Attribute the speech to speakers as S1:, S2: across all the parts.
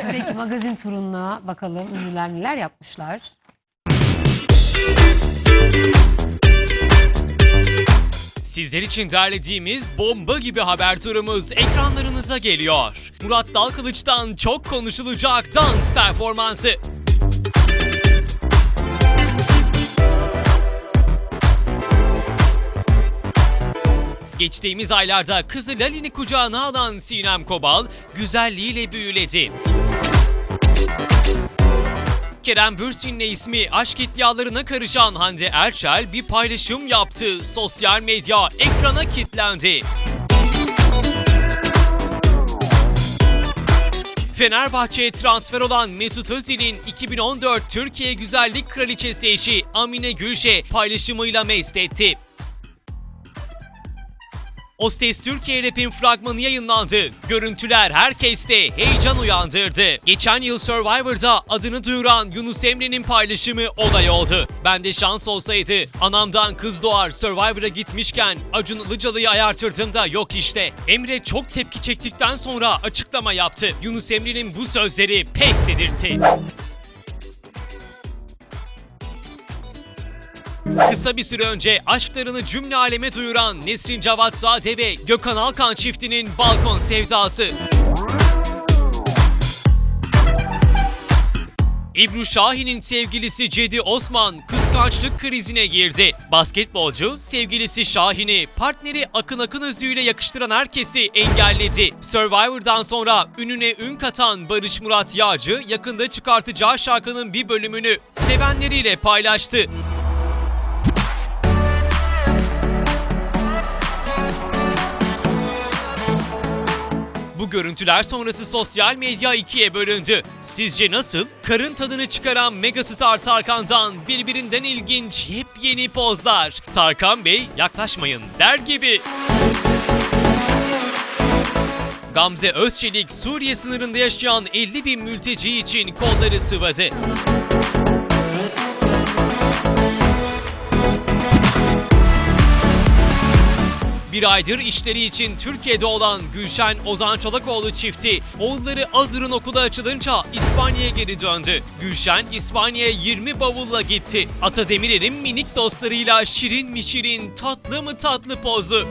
S1: Peki magazin turuna bakalım ünlüler neler yapmışlar.
S2: Sizler için derlediğimiz bomba gibi haber turumuz ekranlarınıza geliyor. Murat Dalkılıç'tan çok konuşulacak dans performansı. Geçtiğimiz aylarda kızı Lalin'i kucağına alan Sinem Kobal güzelliğiyle büyüledi. Kerem Bürsin'le ismi aşk iddialarına karışan Hande Erçel bir paylaşım yaptı. Sosyal medya ekrana kilitlendi. Fenerbahçe'ye transfer olan Mesut Özil'in 2014 Türkiye Güzellik Kraliçesi eşi Amine Gülşe paylaşımıyla mest etti. O Ses Türkiye Rap'in fragmanı yayınlandı. Görüntüler herkeste heyecan uyandırdı. Geçen yıl Survivor'da adını duyuran Yunus Emre'nin paylaşımı olay oldu. Bende şans olsaydı anamdan kız doğar Survivor'a gitmişken Acun Ilıcalı'yı ayartırdım da yok işte. Emre çok tepki çektikten sonra açıklama yaptı. Yunus Emre'nin bu sözleri pes dedirtti. Kısa bir süre önce aşklarını cümle aleme duyuran Nesrin Cavatzade ve Gökhan Alkan çiftinin balkon sevdası. İbru Şahin'in sevgilisi Cedi Osman kıskançlık krizine girdi. Basketbolcu sevgilisi Şahin'i partneri Akın Akınözü ile yakıştıran herkesi engelledi. Survivor'dan sonra ününe ün katan Barış Murat Yağcı yakında çıkartacağı şarkının bir bölümünü sevenleriyle paylaştı. Bu görüntüler sonrası sosyal medya ikiye bölündü. Sizce nasıl? Karın tadını çıkaran megastar Tarkan'dan birbirinden ilginç yepyeni pozlar. Tarkan Bey yaklaşmayın der gibi. Gamze Özçelik Suriye sınırında yaşayan 50.000 mülteci için kolları sıvadı. Bir aydır işleri için Türkiye'de olan Gülşen Ozan Çolakoğlu çifti, oğulları Azur'un okulu açılınca İspanya'ya geri döndü. Gülşen İspanya'ya 20 bavulla gitti. Ata Demirer'in minik dostlarıyla şirin mi şirin, tatlı mı tatlı pozu.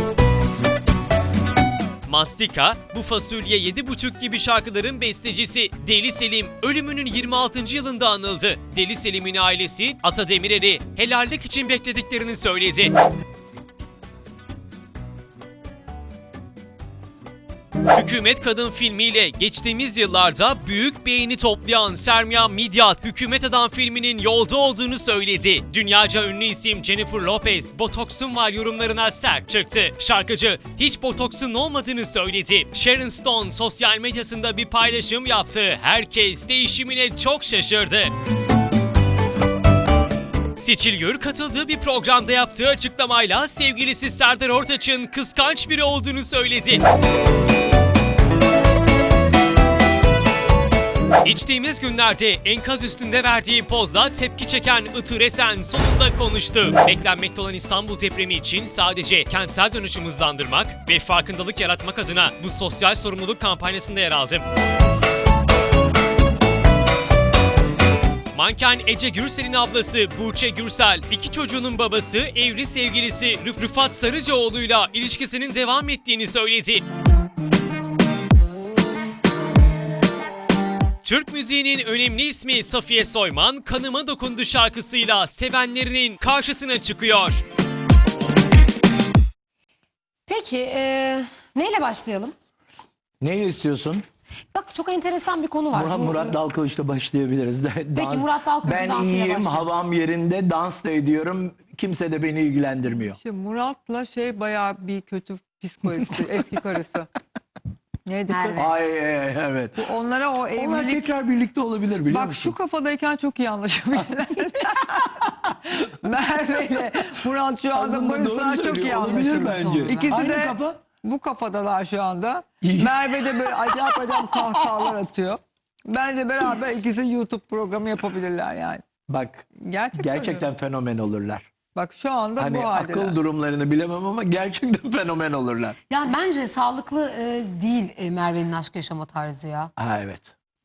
S2: Mastika, Bu Fasulye 7.5 gibi şarkıların bestecisi Deli Selim ölümünün 26. yılında anıldı. Deli Selim'in ailesi Ata Demirer'i helallik için beklediklerini söyledi. Hükümet Kadın filmiyle geçtiğimiz yıllarda büyük beğeni toplayan Sermiyan Midyat, Hükümet Adam filminin yolda olduğunu söyledi. Dünyaca ünlü isim Jennifer Lopez, "Botoksum var" yorumlarına sert çıktı. Şarkıcı hiç botoksun olmadığını söyledi. Sharon Stone sosyal medyasında bir paylaşım yaptı. Herkes değişimine çok şaşırdı. Seçil Gür katıldığı bir programda yaptığı açıklamayla sevgilisi Serdar Ortaç'ın kıskanç biri olduğunu söyledi. Geçtiğimiz günlerde enkaz üstünde verdiği pozla tepki çeken Itır Esen sonunda konuştu. Beklenmekte olan İstanbul depremi için sadece kentsel dönüşüm hızlandırmak ve farkındalık yaratmak adına bu sosyal sorumluluk kampanyasında yer aldı. Manken Ece Gürsel'in ablası Burçe Gürsel, iki çocuğunun babası, evli sevgilisi Rıfat Sarıcıoğlu'yla ilişkisinin devam ettiğini söyledi. Türk müziğinin önemli ismi Safiye Soyman, "Kanıma Dokundu" şarkısıyla sevenlerinin karşısına çıkıyor.
S1: Peki neyle başlayalım?
S3: Ne istiyorsun?
S1: Bak çok enteresan bir konu var.
S3: Murat Dalkılıç'la başlayabiliriz.
S1: Peki Murat Dalkılıç
S3: ben
S1: dansıyla
S3: iyiyim,
S1: başlayalım.
S3: havam yerinde, dans da ediyorum. Kimse de beni ilgilendirmiyor.
S4: Şimdi Murat'la bayağı bir kötü psikolojisi, eski karısı. Neydi kız?
S3: Ay evet.
S4: Onlara o
S3: Onlar
S4: evlilik...
S3: tekrar birlikte olabilir biliyor
S4: Bak
S3: musun?
S4: şu kafadayken çok iyi anlaşabilirler. Merve ile Murat şu anda
S3: Aslında doğru
S4: barışlar çok iyi
S3: söylüyor, olabilir
S4: anlaşıyor.
S3: bence.
S4: İkisi
S3: Aynı
S4: de
S3: kafa.
S4: bu kafadalar şu anda. Merve de böyle acayip kahkahalar atıyor. Bence beraber ikisi YouTube programı yapabilirler yani.
S3: Bak
S4: Gerçekten
S3: gerçekten fenomen olurlar.
S4: Bak şu anda
S3: Hani
S4: bu haldeler.
S3: akıl durumlarını bilemem ama gerçekten fenomen olurlar.
S1: Ya bence sağlıklı değil Merve'nin aşk yaşama tarzı ya.
S3: Ha evet.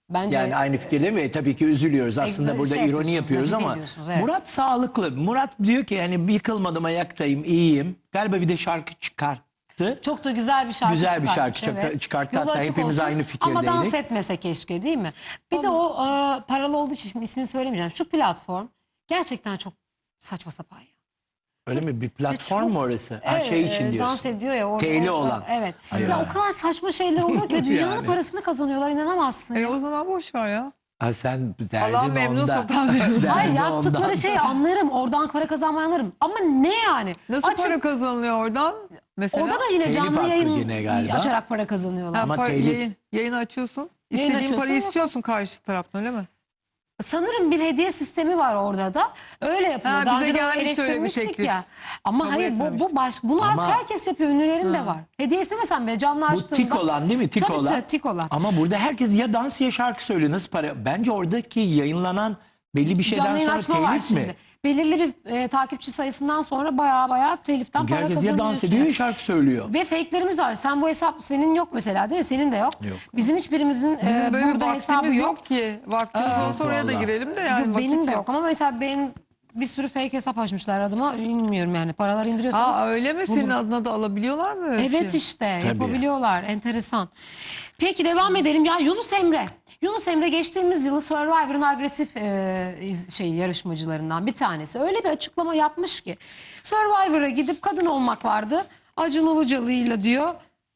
S1: Bence
S3: Yani aynı fikirde mi? Tabii ki üzülüyoruz. Aslında burada ironi
S1: yapıyorsunuz,
S3: yapıyoruz
S1: nazife
S3: ama
S1: ediyorsunuz, evet.
S3: Murat sağlıklı. Murat diyor ki hani yıkılmadım, ayaktayım, iyiyim. Galiba bir de şarkı çıkarttı.
S1: çok da güzel bir şarkı
S3: Güzel bir
S1: çıkartmış,
S3: şarkı çıkarttı.
S1: Yolu
S3: Hatta
S1: açık
S3: hepimiz
S1: olsun.
S3: aynı fikirdeydik.
S1: Ama dans etmese keşke, değil mi? Bir de o paralı olduğu için şimdi ismini söylemeyeceğim. Şu platform gerçekten çok saçma sapan ya.
S3: Öyle mi? Bir platform
S1: çok-
S3: mu orası? Her şey için diyorsun.
S1: Dans ediyor ya orada.
S3: Teyli olan.
S1: Evet.
S3: Ay
S1: Ya
S3: ya.
S1: o kadar saçma şeyler oluyor ki dünyanın
S3: Yani.
S1: parasını kazanıyorlar, inanamazsın. ya.
S4: O zaman boş ver ya.
S3: Ha, sen derdin
S4: Allah memnun,
S3: onda.
S4: satan memnun.
S1: Hayır,
S3: Derdin
S1: yaptıkları
S3: ondan.
S1: şeyi anlarım. Oradan para kazanmayı anlarım. Ama ne yani?
S4: Nasıl
S1: Açıp-
S4: para kazanılıyor oradan? Mesela
S1: Orada da yine
S3: Telif
S1: canlı
S3: hakkı
S1: yayın
S3: yine galiba.
S1: açarak para kazanıyorlar.
S3: Ama telif.
S4: yayını açıyorsun.
S1: Yayın
S4: İstediğin
S1: açıyorsun
S4: parayı
S1: ama-
S4: istiyorsun karşı taraftan, öyle mi?
S1: Sanırım bir hediye sistemi var orada da. Öyle yapıyor.
S4: Ha,
S1: Daha
S4: bize
S1: önce de
S4: gelmiş öyle bir
S1: eleştirmiştik
S4: teklif.
S1: ya. Ama
S4: Kabul
S1: hayır bunu artık
S3: Ama-
S1: herkes yapıyor. Ünlülerin de var. Hediye istemesen bile canlı
S3: Bu
S1: açtığında.
S3: tik olan değil mi? Tik
S1: Tabii,
S3: olan.
S1: tik olan.
S3: Ama burada herkes ya dans ya şarkı söylüyor. Nasıl para? Bence oradaki yayınlanan belli bir şeyden
S1: Canlı yayın
S3: sonra
S1: açma var
S3: telif
S1: şimdi.
S3: mi?
S1: Belirli bir takipçi sayısından sonra baya teliften
S3: Çünkü
S1: para
S3: herkes ya
S1: kazanıyorsun.
S3: dans ediyor ya şarkı söylüyor.
S1: Ve fake'lerimiz var. Sen bu hesap senin yok mesela, değil mi? Senin de yok.
S3: Yok.
S1: Bizim hiçbirimizin
S4: Bizim böyle
S1: burada
S4: bir
S1: hesabı
S4: vaktimiz
S1: yok.
S4: yok ki. Vaktimiz olsa oraya da
S3: vallahi.
S4: girelim de yani.
S1: Yok, benim
S4: vakit
S1: de yok ama mesela benim bir sürü fake hesap açmışlar adıma. Bilmiyorum yani. Paralar indiriyorsanız.
S4: Aa, öyle mi? Senin
S1: bulun.
S4: adına da alabiliyorlar mı öyle
S1: Evet
S4: şey?
S1: işte
S3: Tabii.
S1: yapabiliyorlar. Enteresan. Peki devam edelim. Ya Yunus Emre. Yunus Emre geçtiğimiz yılın Survivor'ın agresif yarışmacılarından bir tanesi. Öyle bir açıklama yapmış ki Survivor'a gidip kadın olmak vardı. Acun Ilıcalı'yla diyor.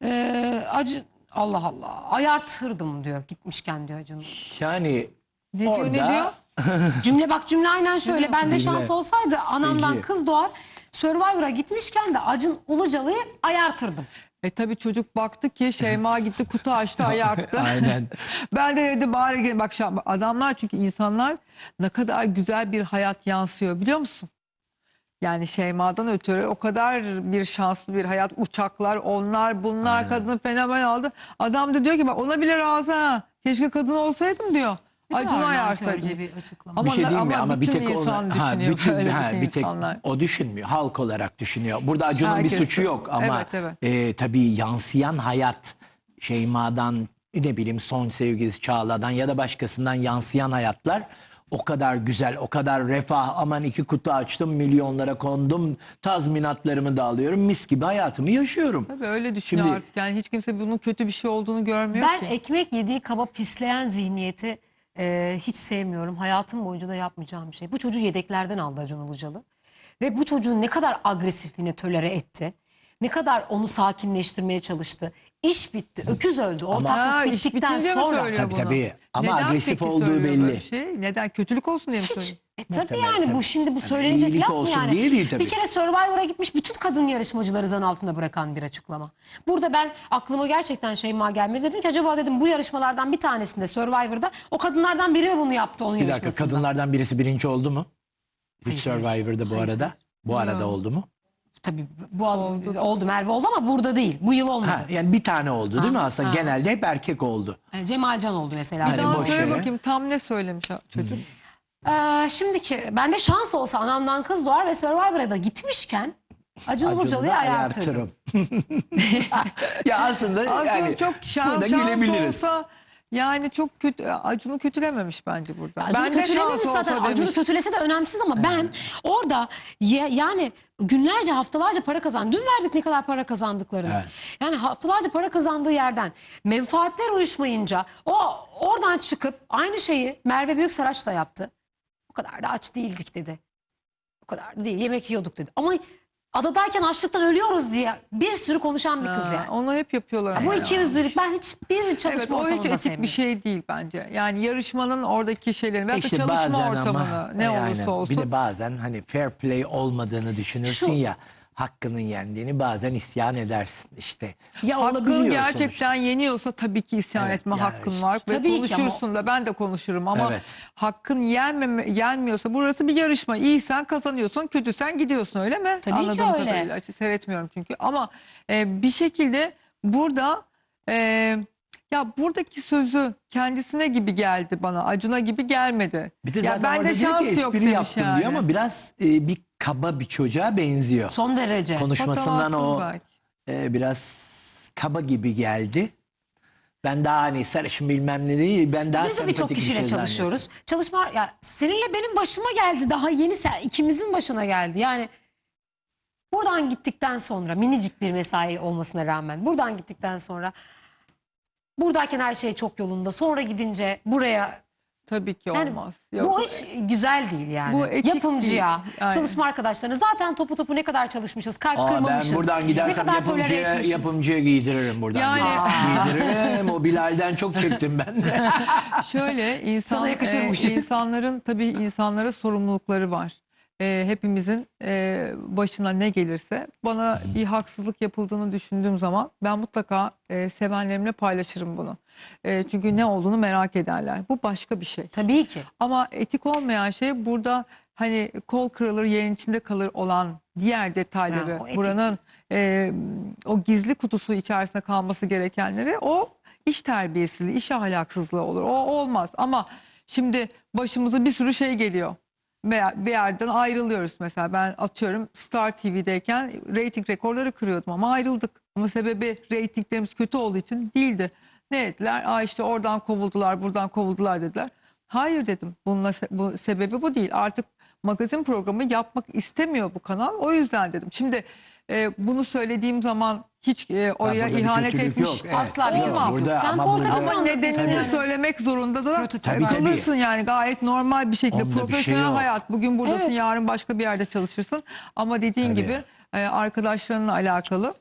S1: Allah Allah ayartırdım diyor gitmişken diyor Acun.
S3: Yani
S4: Ne diyor,
S3: orada
S4: ne diyor?
S1: Cümle aynen şöyle. Bende
S3: Dinle.
S1: şans olsaydı anamdan
S3: Peki.
S1: kız doğar. Survivor'a gitmişken de Acun Ilıcalı'yı ayartırdım.
S4: Tabii çocuk baktı ki Şeyma gitti kutu açtı, ayarttı.
S3: Aynen.
S4: Ben de dedi bari gel. Bak adamlar, çünkü insanlar ne kadar güzel bir hayat yansıyor biliyor musun? Yani Şeyma'dan ötürü o kadar bir şanslı bir hayat, uçaklar, onlar bunlar,
S3: Aynen.
S4: kadını fenomen aldı. Adam da diyor ki bak ona bile razı ha. Keşke kadın olsaydım diyor. Acun'u ayarsaydım.
S1: Nankörce bir açıklama.
S3: Bir şey diyeyim mi? Ama bir
S4: bütün
S3: tek
S4: insan
S3: ona,
S4: düşünüyor böyle
S3: bir tek
S4: insanlar.
S3: o düşünmüyor. Halk olarak düşünüyor. Burada Acun'un
S4: Herkes
S3: bir suçu
S4: de.
S3: yok ama
S4: Evet,
S3: tabii yansıyan hayat Şeyma'dan, ne bileyim son sevgilisi Çağla'dan ya da başkasından yansıyan hayatlar o kadar güzel, o kadar refah. Aman 2 kutu açtım, milyonlara kondum, tazminatlarımı da alıyorum, mis gibi hayatımı yaşıyorum.
S4: Tabii öyle düşünüyor
S3: Şimdi-
S4: artık. Yani hiç kimse bunun kötü bir şey olduğunu görmüyor
S1: Ben
S4: ki.
S1: ekmek yediği kaba pisleyen zihniyeti hiç sevmiyorum. Hayatım boyunca da yapmayacağım bir şey. Bu çocuğu yedeklerden aldı Acun Ilıcalı. Ve bu çocuğun ne kadar agresifliğine tölere etti. Ne kadar onu sakinleştirmeye çalıştı. İş bitti. Öküz öldü. Ortaklık
S4: Ha, iş
S1: bittikten
S4: bitince mi
S1: sonra.
S4: söylüyor
S3: Tabii,
S4: bunu?
S3: tabii. Ama
S4: Neden
S3: agresif
S4: peki
S3: olduğu
S4: söylüyor böyle
S3: belli.
S4: bir şey? Neden? Kötülük olsun diye mi
S1: Hiç.
S4: söylüyor?
S1: Tabii
S3: Muhtemelen,
S1: yani
S3: tabii.
S1: bu şimdi bu
S3: Yani
S1: söylenecek
S3: iyilik
S1: laf mı
S3: olsun
S1: yani?
S3: diye değil tabii.
S1: Bir kere Survivor'a gitmiş bütün kadın yarışmacıları zan altında bırakan bir açıklama. Burada ben aklıma gerçekten Şeyma gelmedi. Dedim ki acaba dedim bu yarışmalardan bir tanesinde Survivor'da o kadınlardan biri mi bunu yaptı onun
S3: Bir dakika,
S1: yarışmasında?
S3: kadınlardan birisi birinci oldu mu? Hiç
S1: Hayır.
S3: Survivor'da bu arada. Bu arada oldu mu?
S1: Tabii oldu Merve oldu ama burada değil. Bu yıl olmadı.
S3: Ha, yani bir tane oldu değil mi aslında?
S1: ha.
S3: Genelde hep erkek oldu.
S1: Cemalcan oldu mesela.
S3: Yani
S4: Daha
S3: boş
S4: söyle
S3: yere.
S4: bakayım tam ne söylemiş çocuk?
S1: Şimdiki bende şans olsa anamdan kız doğar ve Survivor'a da gitmişken Acun
S3: Acun'u
S1: Ilıcalı'yı
S3: da
S1: ayartırdım.
S3: Ya aslında
S4: Aslında
S3: yani
S4: çok
S3: burada
S4: şans
S3: gülebiliriz.
S4: olsa yani çok kötü. Acun'u kötülememiş bence burada.
S1: Acun'u
S4: Ben de
S1: kötülememiş
S4: şans
S1: zaten.
S4: olsa
S1: Acun'u
S4: demiş.
S1: kötülese de önemsiz ama ben orada yani günlerce haftalarca para kazandı. Dün verdik ne kadar para kazandıklarını.
S3: Evet.
S1: Yani haftalarca para kazandığı yerden menfaatler uyuşmayınca o oradan çıkıp aynı şeyi Merve Büyüksaraç da yaptı. O kadar da aç değildik dedi. O kadar da değil, yemek yiyorduk dedi. Ama adadayken açlıktan ölüyoruz diye bir sürü konuşan bir kız
S4: Ha,
S1: yani.
S4: onu hep yapıyorlar. ama
S1: Bu
S4: ya.
S1: ikiyüzlülük ben hiçbir çalışma
S4: Evet, o
S1: ortamında
S4: hiç etik
S1: sevmiyorum.
S4: bir şey değil bence. Yani yarışmanın oradaki şeylerini veyahut da
S3: İşte
S4: çalışma
S3: bazen
S4: ortamını
S3: ama
S4: ne
S3: yani
S4: olursa olsun.
S3: bir de bazen hani fair play olmadığını düşünürsün
S1: Şu-
S3: ya, hakkının yendiğini, bazen isyan edersin işte. Ya
S4: Hakkın
S3: olabiliyor
S4: gerçekten
S3: sonuçta.
S4: yeniyorsa tabii ki isyan
S3: Evet,
S4: etme
S3: yani
S4: hakkın
S3: işte.
S4: var. Ve
S1: Tabii ki ama-
S4: konuşursun da ben de konuşurum ama
S3: Evet.
S4: hakkın yenmiyorsa burası bir yarışma. İyisen kazanıyorsun, kötüsen gidiyorsun, öyle mi?
S1: Tabii ki
S4: Anladığım
S1: öyle.
S4: kadarıyla. Hiç seyretmiyorum çünkü ama bir şekilde burada ya buradaki sözü kendisine gibi geldi bana. Acun'a gibi gelmedi.
S3: Bir de
S4: Ya
S3: zaten
S4: bende
S3: orada diyor ki
S4: şans yok
S3: espri
S4: demiş
S3: yaptım
S4: yani.
S3: diyor ama biraz bir kaba bir çocuğa benziyor.
S1: Son derece.
S3: Konuşmasından
S4: Patavatsız
S3: o
S4: belki.
S3: biraz kaba gibi geldi. Ben daha hani sarışın bilmem ne değil. Ben daha
S1: Biz de birçok
S3: sempatik bir
S1: kişiyle
S3: şey
S1: çalışıyoruz. Çalışma ya seninle benim başıma geldi, daha yeni ikimizin başına geldi. Yani buradan gittikten sonra minicik bir mesai olmasına rağmen buradan gittikten sonra buradayken her şey çok yolunda. Sonra gidince buraya
S4: Tabii ki
S1: yani
S4: olmaz.
S1: bu hiç güzel değil yani.
S4: Bu etik
S1: Yapımcıya,
S4: değil. Aynen.
S1: çalışma arkadaşlarına zaten topu ne kadar çalışmışız, kalp
S3: Aa,
S1: kırmamışız.
S3: ben buradan
S1: Ne
S3: gidersem
S1: kadar tolere etmişiz.
S3: yapımcıya giydiririm buradan.
S4: Yani-
S3: Giydiririm. O Bilal'den çok çektim ben de.
S4: Şöyle
S1: Sana yakışırmış.
S4: insanların tabii insanlara sorumlulukları var. Hepimizin başına ne gelirse bana bir haksızlık yapıldığını düşündüğüm zaman ben mutlaka sevenlerimle paylaşırım bunu. Çünkü ne olduğunu merak ederler. Bu başka bir şey.
S1: Tabii ki.
S4: Ama etik olmayan şey burada hani kol kırılır yerin içinde kalır olan diğer detayları,
S1: Ha, o etik
S4: buranın o gizli kutusu içerisinde kalması gerekenleri, o iş terbiyesizliği, iş ahlaksızlığı olur. O olmaz. Ama şimdi başımıza bir sürü şey geliyor. Veya bir yerden ayrılıyoruz mesela. Ben atıyorum Star TV'deyken reyting rekorları kırıyordum ama ayrıldık. Ama sebebi reytinglerimiz kötü olduğu için değildi. Ne dediler? Aa işte oradan kovuldular, buradan kovuldular dediler. Hayır dedim. Bu sebebi bu değil. Artık magazin programı yapmak istemiyor bu kanal. O yüzden dedim. Şimdi bunu söylediğim zaman hiç oraya
S3: burada bir
S4: ihanet
S3: kötülük
S4: etmiş
S3: yok. Evet.
S1: Asla bir
S3: Yok,
S1: kötülük yok.
S3: burada
S1: Sen
S3: ama
S1: portatif
S3: burada-
S4: ama
S1: anlatıyorsun
S4: nedenini
S1: yani.
S4: söylemek zorunda da
S1: Prototip.
S3: Tabii.
S4: kalırsın yani, gayet normal bir şekilde.
S3: Onda bir şey
S4: Profesyonel
S3: yok.
S4: hayat. Bugün buradasın,
S1: Evet.
S4: yarın başka bir yerde çalışırsın. Ama dediğin
S3: Tabii.
S4: gibi arkadaşlarınla alakalı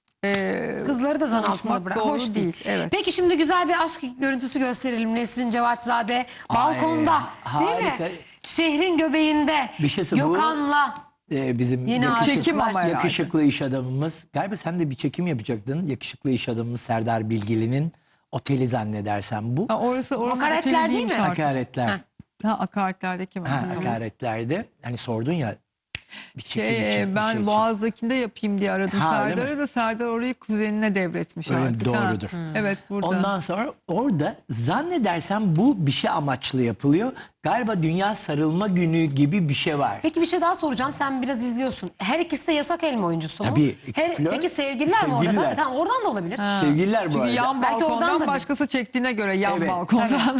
S1: Kızları da zan altında
S4: konuşmak
S1: bırak.
S4: doğru
S1: Hoş değil.
S4: değil, evet.
S1: Peki şimdi güzel bir aşk görüntüsü gösterelim. Nesrin Cevatzade balkonda,
S3: Ay,
S1: değil mi?
S3: harika.
S1: Şehrin göbeğinde.
S3: Bir şeyse bu-
S1: Gökhan'la.
S3: Bizim
S1: Yeni
S4: Çekim ama herhalde.
S3: yakışıklı iş adamımız. Galiba sen de bir çekim yapacaktın. Yakışıklı iş adamımız Serdar Bilgili'nin oteli zannedersem bu.
S4: Ha, orası oranın
S1: Hakaretler
S4: oteli
S1: değil
S4: değilmiş
S1: mi?
S4: artık.
S3: Hakaretler.
S1: Ha.
S4: Ha, hakaretlerdeki mi?
S3: Ha,
S4: Tamam.
S3: hakaretlerde. Hani sordun ya bir çekim için. bir
S4: Ben
S3: şey için.
S4: Boğaz'dakinde yapayım diye aradım
S3: Ha, öyle
S4: Serdar'ı
S3: mi?
S4: da Serdar orayı kuzenine devretmiş
S3: Öyle mi?
S4: artık.
S3: Doğrudur.
S4: Evet, burada.
S3: Ondan sonra orada zannedersem bu bir şey amaçlı yapılıyor. Galiba Dünya Sarılma Günü gibi bir şey var.
S1: Peki bir şey daha soracağım. Sen biraz izliyorsun. Her ikisi de yasak elma oyuncusu mu?
S3: Tabii. Flört,
S1: Peki sevgililer mi orada da?
S3: sevgililer.
S1: Tamam, oradan da olabilir.
S4: Ha.
S3: Sevgililer bu
S4: Çünkü
S3: arada.
S4: yan
S1: Belki oradan
S4: balkondan
S1: da
S4: başkası çektiğine göre yan
S3: Evet.
S4: balkondan.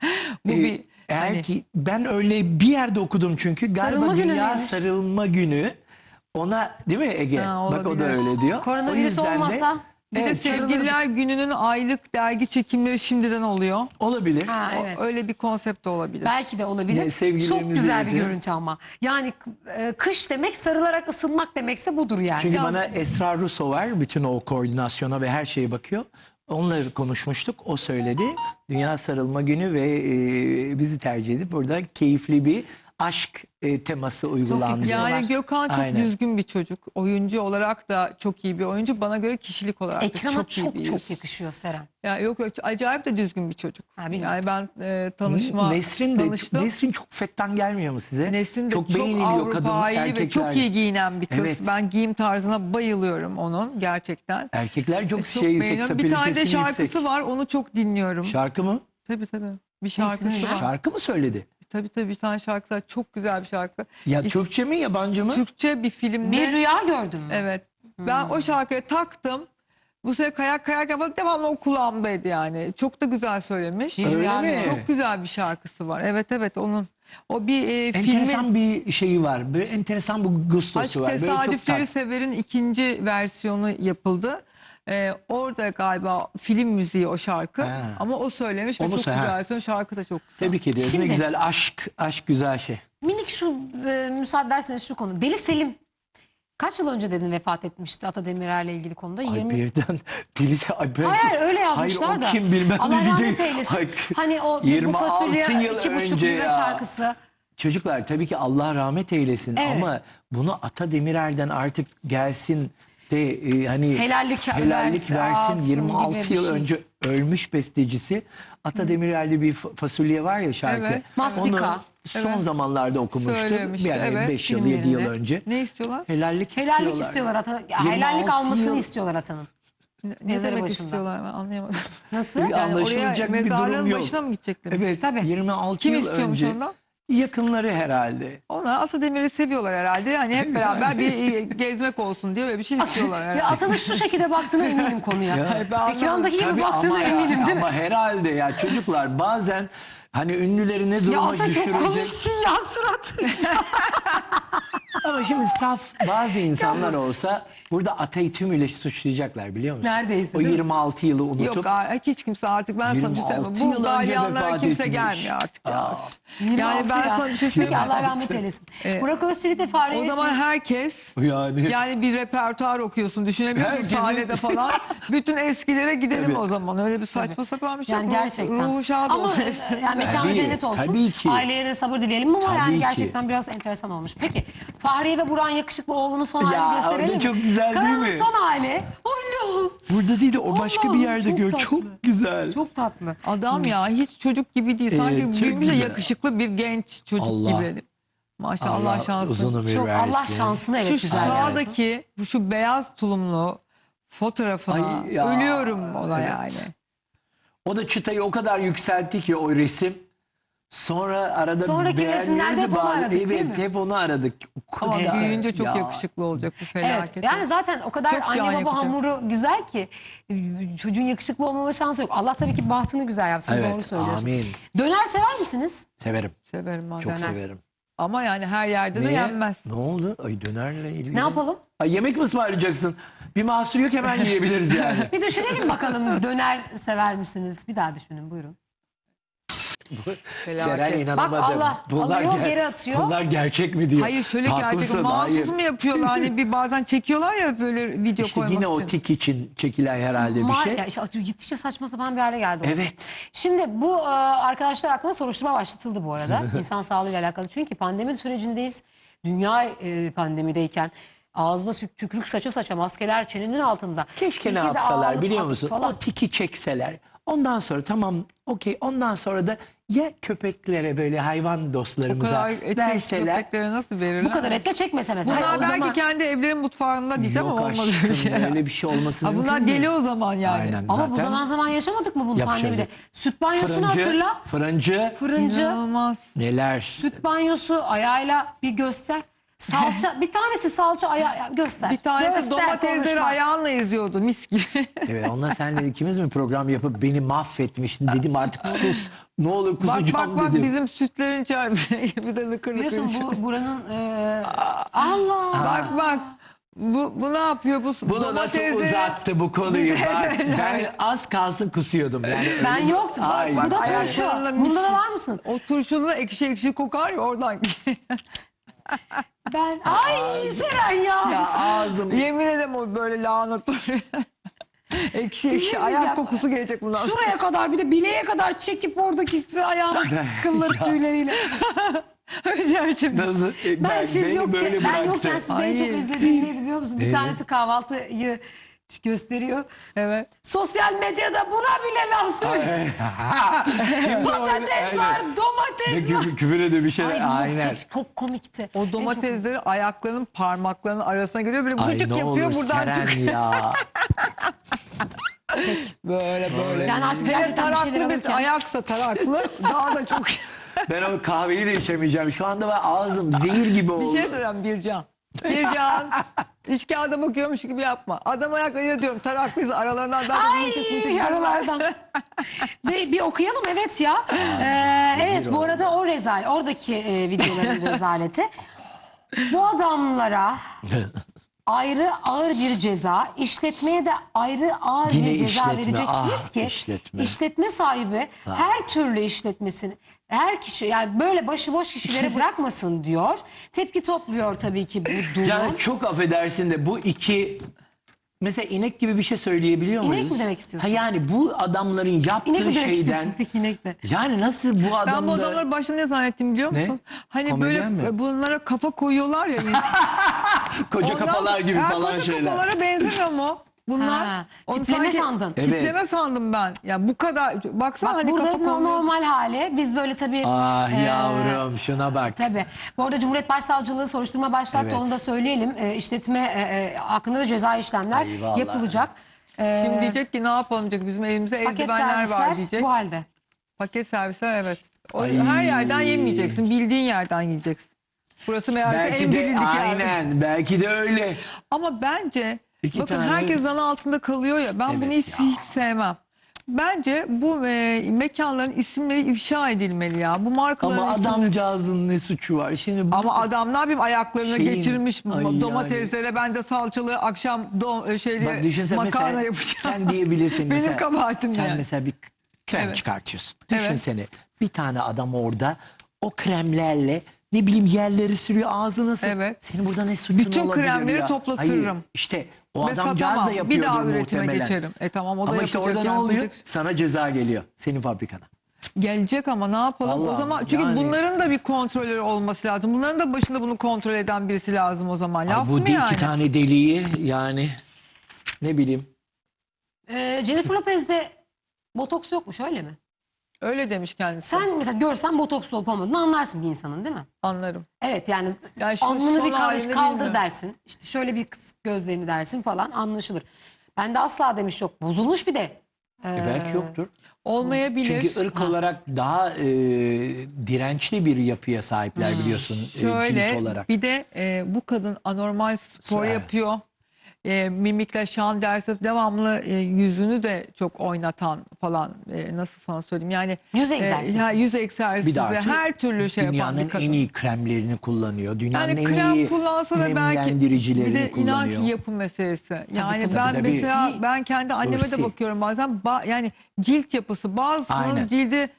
S4: Bu bir
S3: Eğer
S4: hani-
S3: ki ben öyle bir yerde okudum çünkü galiba
S1: Sarılma günü
S3: Dünya
S1: müymüş?
S3: Sarılma Günü ona, değil mi Ege?
S4: Ha,
S3: Bak o da
S4: olabilir.
S3: öyle diyor. O
S1: Koronavirüs
S3: yüzden de-
S1: olmasa
S4: Bir de
S3: Evet,
S4: Sevgililer Günü'nün aylık dergi çekimleri şimdiden oluyor.
S3: olabilir.
S1: ha, evet.
S4: Öyle bir konsept de olabilir.
S1: Belki de olabilir.
S3: Ne, sevgililerimizi
S1: Çok güzel bir
S3: evet.
S1: görüntü ama. Yani kış demek sarılarak ısınmak demekse budur yani.
S3: Çünkü
S1: Ya,
S3: bana Esra Russo var. Bütün o koordinasyona ve her şeye bakıyor. Onunla konuşmuştuk. O söyledi. Dünya Sarılma Günü ve bizi tercih edip burada keyifli bir aşk teması uygulandı.
S1: yakışıyor.
S4: Yani Gökhan çok
S3: Aynen.
S4: düzgün bir çocuk. Oyuncu olarak da çok iyi bir oyuncu. Bana göre kişilik olarak da
S1: Ekrana
S4: çok iyi bir
S1: çok
S4: yüz.
S1: yakışıyor Seren.
S4: Ya yok, acayip de düzgün bir çocuk.
S1: Ha, bilmiyorum.
S4: Yani ben tanıştım.
S3: Nesrin çok fettan gelmiyor mu size?
S4: Nesrin de çok
S3: beğeniliyor kadın
S4: Avrupa'yı ve
S3: erkekler.
S4: çok iyi giyinen bir kız.
S3: Evet.
S4: Ben giyim tarzına bayılıyorum onun gerçekten.
S3: Erkekler çok
S4: Çok
S3: şey
S4: beğeniyorum.
S3: seks
S4: Bir tane de
S3: apilitesi
S4: şarkısı
S3: yüksek.
S4: var, onu çok dinliyorum.
S3: Şarkı mı?
S4: Tabii. Bir şarkısı
S1: Nesrin ya?
S4: var.
S3: Şarkı mı söyledi?
S4: Tabii bir tane şarkısı var. Çok güzel bir şarkı.
S3: Ya
S4: İs-
S3: Türkçe mi yabancı mı?
S4: Türkçe bir filmde.
S1: Bir rüya gördüm mü?
S4: Evet. Ben o şarkıyı taktım. Bu sefer kayarken falan devamlı o kulağımdaydı yani. Çok da güzel söylemiş.
S1: Öyle
S3: Öyle mi?
S4: Çok güzel bir şarkısı var. Evet onun. O bir
S3: Enteresan
S4: filmin
S3: bir şeyi var. Böyle enteresan bir gustosu
S4: Aşk
S3: var. Böyle çok
S4: Tesadüfleri
S3: tat.
S4: Sever'in ikinci versiyonu yapıldı. Orada galiba film müziği o şarkı.
S3: Ha.
S4: Ama o söylemiş ve
S3: Onu
S4: çok
S3: söyle-
S4: güzel söylüyor. Şarkı da çok güzel.
S3: Tebrik ediyoruz. Ne
S1: Şimdi-
S3: güzel aşk güzel şey.
S1: Minik şu müsaade ederseniz şu konu. Deli Selim kaç yıl önce dedin vefat etmişti Ata Demirer'le ilgili konuda?
S3: Ay
S1: 20.
S3: birden delisi. Ay ben,
S1: Hayır öyle yazmışlar
S3: hayır,
S1: da.
S3: o kim bilmem
S1: Allah
S3: ne
S1: rahmet
S3: diyecek.
S1: eylesin.
S3: Ay,
S1: Hani o bu
S3: 26
S1: fasulye
S3: yıl
S1: 2,5
S3: önce
S1: lira
S3: ya.
S1: şarkısı.
S3: Çocuklar tabii ki Allah rahmet eylesin
S1: Evet.
S3: ama bunu Ata Demirer'den artık gelsin de hani
S1: Helallik
S3: versin.
S1: alsın
S3: 26
S1: gibi bir
S3: yıl
S1: şey.
S3: önce ölmüş bestecisi. Ata Demirer'de bir fasulye var ya şarkı.
S4: Evet.
S1: Mastika.
S3: Onu son
S4: Evet.
S3: zamanlarda okumuştum.
S4: Söylemişti,
S3: Yani
S4: evet,
S3: 5 yıl 7 yıl
S1: filmlerinde.
S3: önce.
S4: Ne istiyorlar?
S3: Helallik
S1: Helallik istiyorlar Ata. Ya,
S3: 26
S1: helallik almasını
S3: yıl-
S1: istiyorlar Ata'nın.
S4: Ne
S1: Mezarı
S4: demek
S1: başında.
S4: istiyorlar, ben anlayamadım.
S1: Nasıl?
S3: Bir
S4: Yani
S3: anlaşılacak
S4: oraya
S3: bir durum
S4: mezarlığın
S3: yok.
S4: başına mı gidecekler?
S3: Evet,
S1: Tabii.
S3: 26
S4: Kim
S3: yıl
S4: istiyormuş
S3: önce.
S4: ondan?
S3: Yakınları herhalde.
S4: Onlar Atademir'i seviyorlar herhalde. Yani hep beraber bir gezmek olsun diye böyle bir şey istiyorlar herhalde.
S1: Ya Atan'ın şu şekilde baktığına eminim konuya.
S4: ben
S1: Ekrandaki gibi
S3: Tabii
S1: baktığına eminim değil mi?
S3: Ama herhalde ya çocuklar bazen hani ünlüleri ne
S1: Ya
S3: duruma
S1: Ata çok
S3: düşürecek.
S1: komiksin ya suratın.
S3: Ama şimdi saf bazı insanlar olsa burada Atay'ı tümüyle suçlayacaklar biliyor musun?
S1: Neredeyse,
S3: O
S1: değil mi?
S3: 26 yılı unutup.
S4: Yok hiç kimse artık ben sana bir şey
S3: 26
S4: söyleyeyim.
S3: yıl
S4: Bu
S3: önce
S4: dalyanlara
S3: vefat
S4: kimse
S3: etmiş.
S4: gelmiyor artık ya.
S1: 26
S4: Yani ben
S1: ya.
S4: sana bir şey
S1: Peki
S4: söyleyeyim.
S1: Allah rahmet eylesin. Burak Özçivit de Fahriye
S4: O zaman herkes
S3: Yani.
S4: yani bir repertuar okuyorsun düşünebiliyor musun
S3: Herkesin-
S4: sahnede falan. Bütün eskilere gidelim
S3: Tabii.
S4: o zaman. Öyle bir saçma sapan bir şey.
S1: yani
S4: yok.
S1: gerçekten.
S4: Ruhu şad
S1: Ama
S4: olsun.
S1: yani mekanı
S3: Tabii,
S1: cennet olsun.
S3: tabii ki.
S1: Aileye de sabır dileyelim ama
S3: Tabii
S1: yani
S3: ki.
S1: gerçekten biraz enteresan olmuş. Peki Fahriye ve Burak'ın yakışıklı oğlunun son
S3: Ya,
S1: halini gösterelim
S3: orada
S1: mi?
S3: çok güzel değil
S1: Kanalın
S3: mi?
S1: son hali. Allah'ım.
S3: Burada değil de o başka bir
S1: Allah'ım,
S3: yerde
S1: çok
S3: gör.
S1: tatlı.
S3: Çok güzel.
S1: Çok tatlı.
S4: Adam ya hiç çocuk gibi değil. Sanki
S3: Evet, çok
S4: büyümüş de
S3: güzel.
S4: yakışıklı bir genç çocuk
S3: Allah.
S4: gibi. Maşallah şanslı.
S3: uzun ömür
S1: Çok
S3: versin.
S1: Allah şansını evet
S4: Şu
S1: güzel versin.
S4: sağdaki şu beyaz tulumlu fotoğrafına
S3: Ay ya,
S4: ölüyorum ona
S3: evet.
S4: yani.
S3: O da çıtayı o kadar yükseltti ki o resim. Sonra arada
S1: Sonraki
S3: beğenmiyoruz
S1: resimlerde hep onu
S3: bazı-
S1: aradık, değil
S3: Evet
S1: mi?
S3: hep onu aradık. O
S4: Ama
S3: kadar-
S4: büyüyünce çok
S3: Ya.
S4: yakışıklı olacak bu
S1: Evet
S4: felaket.
S1: yani zaten o kadar
S4: Çok can
S1: anne baba
S4: yakacak.
S1: hamuru güzel ki çocuğun yakışıklı olmama şansı yok. Allah tabii ki bahtını güzel yapsın
S3: Evet,
S1: doğru söylüyorsun.
S3: amin.
S1: Döner sever misiniz?
S3: Severim.
S4: Severim ben.
S3: Çok
S1: Döner.
S3: severim.
S4: Ama yani her yerde de
S3: Niye?
S4: yenmez.
S3: Ne oldu? Ay dönerle ilgili.
S1: Ne yapalım?
S3: Ay yemek mi ısmarlayacaksın? Bir mahsur yok hemen yiyebiliriz yani.
S1: Bir düşünelim bakalım döner sever misiniz? Bir daha düşünün buyurun.
S3: Seren
S4: Felaket.
S3: inanamadım.
S1: Bak Allah alıyor, geri atıyor.
S3: Bunlar gerçek mi diyor.
S4: Hayır şöyle gerçek
S3: Haklısın,
S4: mahsus
S3: hayır.
S4: mu yapıyorlar hani bir bazen çekiyorlar ya böyle video
S3: İşte
S4: koymak
S3: yine o
S4: için.
S3: tik için çekilen herhalde bir şey.
S1: Ya işte gittikçe saçma sapan bir hale geldi. o.
S3: Evet.
S1: Şimdi bu arkadaşlar hakkında soruşturma başlatıldı bu arada. İnsan sağlığıyla alakalı. Çünkü pandemi sürecindeyiz. Dünya pandemideyken ağızda tükürük saça saça maskeler çenenin altında.
S3: Keşke ne
S1: Ülkede
S3: yapsalar
S1: ağalık,
S3: biliyor
S1: atık
S3: musun?
S1: falan.
S3: O tiki çekseler. Ondan sonra tamam okey. Ondan sonra da ya köpeklere böyle hayvan
S4: O
S3: dostlarımıza
S4: kadar eti
S3: verseler.
S4: köpeklere nasıl verirler?
S1: Bu kadar etle çekmese mesela.
S4: Bunlar
S3: o
S4: belki
S3: zaman-
S4: kendi evlerin mutfağında diyeceğim
S3: Yok
S4: ama olmaz
S3: aşkım
S4: öyle şey.
S3: öyle bir şey olması
S4: Ha,
S3: mümkün
S4: bunlar
S3: değil.
S4: deli o zaman yani.
S3: Aynen
S1: Ama
S3: zaten.
S1: bu zaman zaman yaşamadık mı bunu
S3: Yapışırdık.
S1: pandemide? Süt banyosunu
S3: Fırıncı,
S1: hatırla.
S3: Fırıncı.
S1: Fırıncı,
S4: İnanılmaz.
S3: Neler?
S1: süt banyosu ayağıyla bir göster. Salça, bir tanesi salça ayağı göster.
S4: Bir tanesi
S1: Göster,
S4: domatesleri
S1: konuşma.
S4: ayağınla eziyordu mis gibi.
S3: Evet onunla senle ikimiz mi program yapıp beni mahvetmiştin dedim artık sus. Ne olur
S4: bak
S3: kusacağım
S4: bak
S3: dedim.
S4: bizim sütlerin içerisinde bir de lıkır lıkır
S1: Biliyorsun
S4: içiyor.
S1: bu buranın Allah.
S4: Bak bu ne yapıyor bu
S3: Bunu nasıl
S4: domatesleri-
S3: uzattı bu konuyu? Bak, ben az kalsın kusuyordum. Yani
S1: Ben
S3: öyle-
S1: yoktum.
S3: Ay,
S1: Bu da
S3: ay,
S1: turşu.
S4: ayaklarına
S1: Bunda da
S4: mis-
S1: var mısın?
S4: O turşulu ekşi ekşi kokar ya oradan.
S1: Ben ay Seren ya.
S3: Ya ağzım.
S4: Yemin ederim o böyle lahana turşu. ekşi ekşi
S1: Diyemeyeceğim.
S4: ayak kokusu gelecek bundan sonra.
S1: Şuraya kadar bir de bileğe kadar çekip oradaki ayağın kılları
S3: Ya.
S1: tüyleriyle.
S4: Gerçekten.
S3: Nasıl?
S1: Ben siz
S3: beni
S1: yokken,
S3: böyle
S1: ben
S3: bıraktı.
S1: yokken sizde en
S4: Ay.
S1: çok izlediğim neydi biliyor musun? Bir
S3: Neydi?
S1: tanesi kahvaltıyı gösteriyor.
S4: Evet.
S1: Sosyal medyada buna bile laf söylüyor.
S3: Şimdi
S1: Patates
S3: o-
S1: var,
S3: aynen.
S1: domates var.
S3: Küfür ediyor bir şey.
S1: Ay
S3: Aynen.
S1: çok komikti.
S4: O domatesleri ayaklarının parmaklarının arasına giriyor. Böyle
S3: Ay
S4: gıcık
S3: ne
S4: yapıyor
S3: olur
S4: buradan
S3: Seren
S4: çıkıyor.
S3: ya.
S4: Böyle böyle.
S1: Yani artık
S4: Hele
S1: gerçekten bir şeyler
S4: taraklı bir
S1: alırken.
S4: ayaksa taraklı daha da çok.
S3: Ben o kahveyi de içemeyeceğim. Şu anda ben ağzım zehir gibi oldu.
S4: Bir şey söyleyeyim Bircan. Bircan. İç kağıda bakıyormuş gibi yapma. Adam ayaklarıyla diyorum taraklıyız aralarından daha
S1: Ay yaralardan. Ve bir okuyalım evet ya. Evet bu arada o oradaki videoların rezaleti. Bu adamlara ayrı ağır bir ceza, işletmeye de ayrı ağır
S3: Yine
S1: bir ceza
S3: işletme,
S1: vereceksiniz
S3: ah,
S1: ki
S3: işletme.
S1: sahibi her türlü işletmesini her kişi yani böyle başıboş kişilere bırakmasın diyor. Tepki topluyor tabii ki bu durum.
S3: Yani çok affedersin de bu iki mesela inek gibi bir şey söyleyebiliyor
S1: İnek
S3: muyuz?
S1: mi demek istiyorsun?
S3: Ha yani bu adamların yaptığı
S1: İnek mi demek
S3: şeyden
S1: istiyorsun peki inek de?
S3: yani nasıl bu
S4: Ben bu
S3: adamda
S4: adamları başta ne zannettim biliyor
S3: Ne?
S4: musun? Hani
S3: Komedyen
S4: böyle
S3: mi?
S4: bunlara kafa koyuyorlar ya.
S3: koca
S4: Ondan-
S3: kafalar gibi
S4: Ha,
S3: falan
S4: koca
S3: şeyler.
S4: kafalara benzemiyor mu? Bunlar.
S1: Ha,
S4: Onu
S1: tipleme
S4: sanki-
S1: sandın.
S3: Evet.
S4: Tipleme sandım ben. Ya bu kadar. Baksana
S1: Bak
S4: hani
S1: burada
S4: kafa konuyor.
S1: normal hali. Biz böyle tabii...
S3: Ah yavrum şuna bak.
S1: Tabii. Bu arada Cumhuriyet Başsavcılığı soruşturma başlattı.
S3: Evet.
S1: Onu da söyleyelim. İşletme hakkında da cezai işlemler
S3: Eyvallah.
S1: yapılacak.
S4: Şimdi diyecek ki ne yapalım diyecek. Bizim elimizde
S1: Paket
S4: eldivenler var
S1: servisler
S4: diyecek.
S1: bu halde.
S4: Paket servisler evet. Her yerden yemeyeceksin. Bildiğin yerden yiyeceksin. Burası meğerse en
S3: Belki de
S4: bilindik yermiş.
S3: aynen, belki de öyle.
S4: Ama bence
S3: İki
S4: bakın
S3: tane-
S4: herkes zan altında kalıyor ya. Ben
S3: Evet
S4: bunu
S3: ya.
S4: hiç sevmem. Bence bu mekanların isimleri ifşa edilmeli ya. Bu markaların
S3: Ama
S4: isimleri.
S3: adamcağızın ne suçu var? Şimdi bu
S4: Ama adam ne yapayım, ayaklarını
S3: Şeyin-
S4: geçirmiş
S3: Ay
S4: domateslere, ben de salçalı akşam
S3: bak düşünsene
S4: makarna
S3: mesela
S4: yapacağım.
S3: sen diyebilirsin
S4: Benim
S3: mesela.
S4: kabahatim
S3: Sen
S4: yani.
S3: mesela bir krem
S4: Evet.
S3: çıkartıyorsun.
S4: Evet.
S3: Düşünsene bir tane adam orada o kremlerle ne bileyim yerleri sürüyor, ağzına sürüyor.
S4: Evet.
S3: Senin burada ne suçun
S4: Bütün
S3: olabilir
S4: kremleri
S3: ya?
S4: toplatırım.
S3: Hayır, işte o
S4: Ve
S3: adamcağız
S4: satamam.
S3: da
S4: Bir
S3: yapıyordur
S4: daha üretime
S3: muhtemelen.
S4: geçerim. Tamam, o da
S3: Ama işte
S4: yapacak,
S3: orada ne oluyor?
S4: yapacak.
S3: Sana ceza geliyor senin fabrikana.
S4: Gelecek ama ne yapalım? O
S3: Vallahi
S4: zaman çünkü
S3: yani-
S4: bunların da bir kontrolörü olması lazım. Bunların da başında bunu kontrol eden birisi lazım o zaman. Laf
S3: Ay, bu
S4: mı yani?
S3: iki tane deliği yani ne bileyim.
S1: Jennifer Lopez'de botoks yokmuş, öyle mi?
S4: Öyle demiş kendisi.
S1: Sen mesela görsen botoks olup olmadığını anlarsın bir insanın, değil mi?
S4: Anlarım.
S1: Evet yani
S4: Yani şu
S1: alnını
S4: son
S1: bir
S4: halini
S1: kaldır
S4: bilmiyorum.
S1: dersin. İşte şöyle bir kıs gözlerini dersin falan, anlaşılır. Ben de asla demiş yok. Bozulmuş bir de.
S3: Belki yoktur.
S4: Olmayabilir.
S3: Çünkü ırk olarak daha dirençli bir yapıya sahipler biliyorsun
S4: Şöyle
S3: cilt olarak.
S4: bir de bu kadın anormal spor
S3: Evet.
S4: yapıyor. Mimikle şan dersi devamlı yüzünü de çok oynatan falan, nasıl sana söyleyeyim yani
S1: Yüz egzersizi.
S4: yüz egzersizi
S3: Bir de artık
S4: her türlü şey yapan bir
S3: dünyanın
S4: kadın.
S3: en iyi kremlerini kullanıyor. Dünyanın
S4: Yani
S3: en
S4: krem
S3: iyi
S4: kullansa da belki, bir
S3: nemlendiricilerini
S4: de inan
S3: kullanıyor.
S4: ki yapı meselesi. Yani
S1: tabii,
S4: ben
S3: tabii.
S4: mesela ben kendi anneme
S3: Hırsi.
S4: de bakıyorum bazen, yani cilt yapısı bazısının
S3: Aynen.
S4: cildi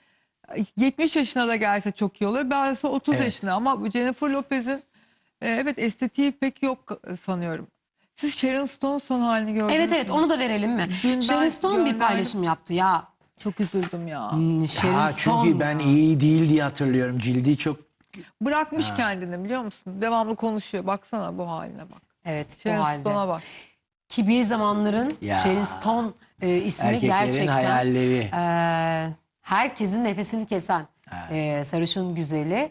S4: 70 yaşına da gelse çok iyi oluyor. Bazısı 30
S3: Evet.
S4: yaşına, ama bu Jennifer Lopez'in evet estetiği pek yok sanıyorum. Siz Sharon Stone'un son halini gördünüz
S1: Evet evet,
S4: mü?
S1: onu da verelim mi?
S4: Dün
S1: Sharon
S4: ben
S1: Stone bir
S4: gönderdim.
S1: paylaşım yaptı ya.
S4: Çok üzüldüm ya.
S1: Sharon
S3: Ha,
S1: Stone
S3: çünkü ben
S1: ya.
S3: iyi değil diye hatırlıyorum. Cildi çok
S4: Bırakmış kendini, biliyor musun? Devamlı konuşuyor. Baksana bu haline bak.
S1: Evet, bu
S4: Sharon
S1: halde.
S4: Stone'a bak.
S1: Ki bir zamanların
S3: Ya.
S1: Sharon Stone ismi
S3: erkeklerin
S1: gerçekten
S3: hayalleri.
S1: herkesin nefesini kesen sarışın güzeli.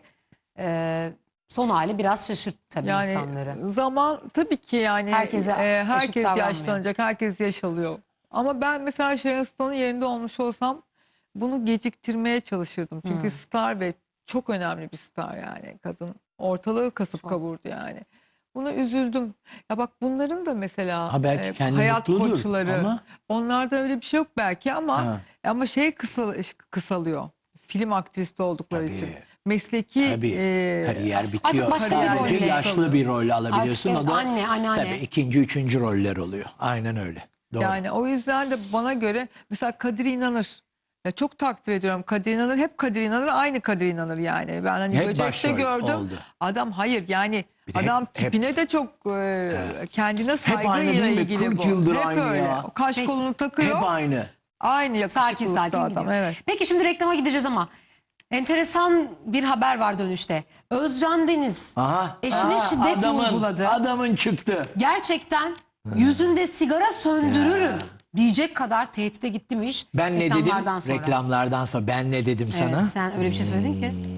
S1: Son hali biraz şaşırttı tabii
S4: Yani
S1: insanları.
S4: zaman tabii ki yani
S1: Herkese eşit
S4: herkes
S1: davranmıyor.
S4: yaşlanacak, herkes yaş alıyor. Ama ben mesela Sharon Stone'un yerinde olmuş olsam bunu geciktirmeye çalışırdım. Çünkü star ve çok önemli bir star yani. Kadın ortalığı kasıp kavurdu yani. Buna üzüldüm. Ya bak, bunların da mesela
S3: Ha, belki kendi
S4: hayat
S3: mutludur
S4: koçları.
S3: ama-
S4: Onlarda öyle bir şey yok belki ama
S3: Ha.
S4: şey kısalıyor. Film aktristi oldukları
S3: Tabii.
S4: için. Mesleki
S3: Tabii kariyer bitiyor.
S1: Artık başka
S4: bir
S3: Sadece
S4: rolle
S3: yaşlı
S4: kalıyor.
S3: bir rol alabiliyorsun.
S1: Artık
S3: O da
S1: anne, anneanne.
S3: tabii ikinci, üçüncü roller oluyor. Aynen öyle. Doğru.
S4: Yani o yüzden de bana göre mesela Kadir İnanır. Ya çok takdir ediyorum Kadir İnanır. Hep Kadir İnanır, aynı Kadir İnanır yani. Ben hani
S3: Hep
S4: Böcek'te
S3: başrol
S4: gördüm.
S3: oldu.
S4: Adam hayır yani
S3: Bir de
S4: adam
S3: hep-
S4: tipine de çok kendine
S3: aynı
S4: saygıyla
S3: değil mi?
S4: ilgili
S3: 40
S4: bu.
S3: yıldır
S4: Hep
S3: aynı
S4: öyle.
S3: ya.
S4: O kaş
S1: Peki.
S4: kolunu takıyor.
S3: Hep aynı.
S4: Aynı
S1: Sakin
S4: yakışıklılıkta
S1: sakin
S4: adam.
S1: gidiyor.
S4: Evet.
S1: Peki şimdi reklama gideceğiz ama enteresan bir haber var dönüşte. Özcan Deniz
S3: Aha.
S1: eşine şiddet mi uyguladı?
S3: Adamın çıktı.
S1: Gerçekten yüzünde sigara söndürürüm diyecek kadar tehdide gitmiş.
S3: Ben ne dedim?
S1: reklamlardan sonra.
S3: Reklamlardan sonra ben ne dedim
S1: Evet,
S3: sana?
S1: sen öyle bir şey söyledin ki.